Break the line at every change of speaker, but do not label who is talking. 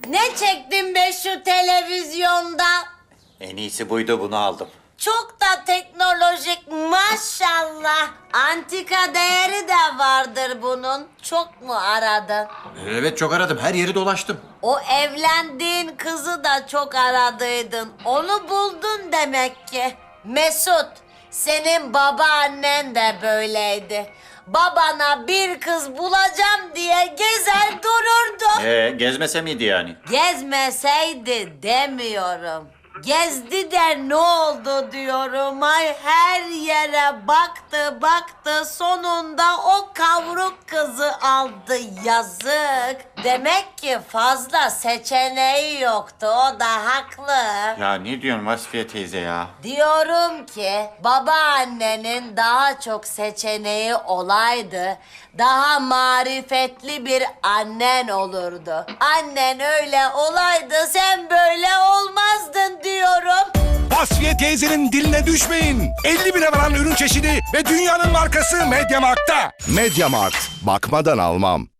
Ne çektin be şu televizyonda?
En iyisi buydu, bunu aldım.
Çok da teknolojik maşallah. Antika değeri de vardır bunun. Çok mu aradın?
Evet, çok aradım. Her yeri dolaştım.
O evlendiğin kızı da çok aradıydın. Onu buldun demek ki. Mesut, senin babaannen de böyleydi. Babana bir kız bulacağım diye gezer dururdu.
Gezmese miydi yani?
Gezmeseydi demiyorum. Gezdi de ne oldu diyorum. Ay her yere baktı sonunda o kavruk kızı aldı, yazık. Demek ki fazla seçeneği yoktu, o da haklı.
Ya ne diyorsun Vasfiye teyze ya?
Diyorum ki babaannenin daha çok seçeneği olaydı, daha marifetli bir annen olurdu. Annen öyle olaydı, sen böyle olmazdın diyorum.
Vasfiye teyzenin diline düşmeyin. 50 bine varan ürün çeşidi ve dünyanın markası Mediamarkt'ta.
Mediamarkt. Bakmadan almam.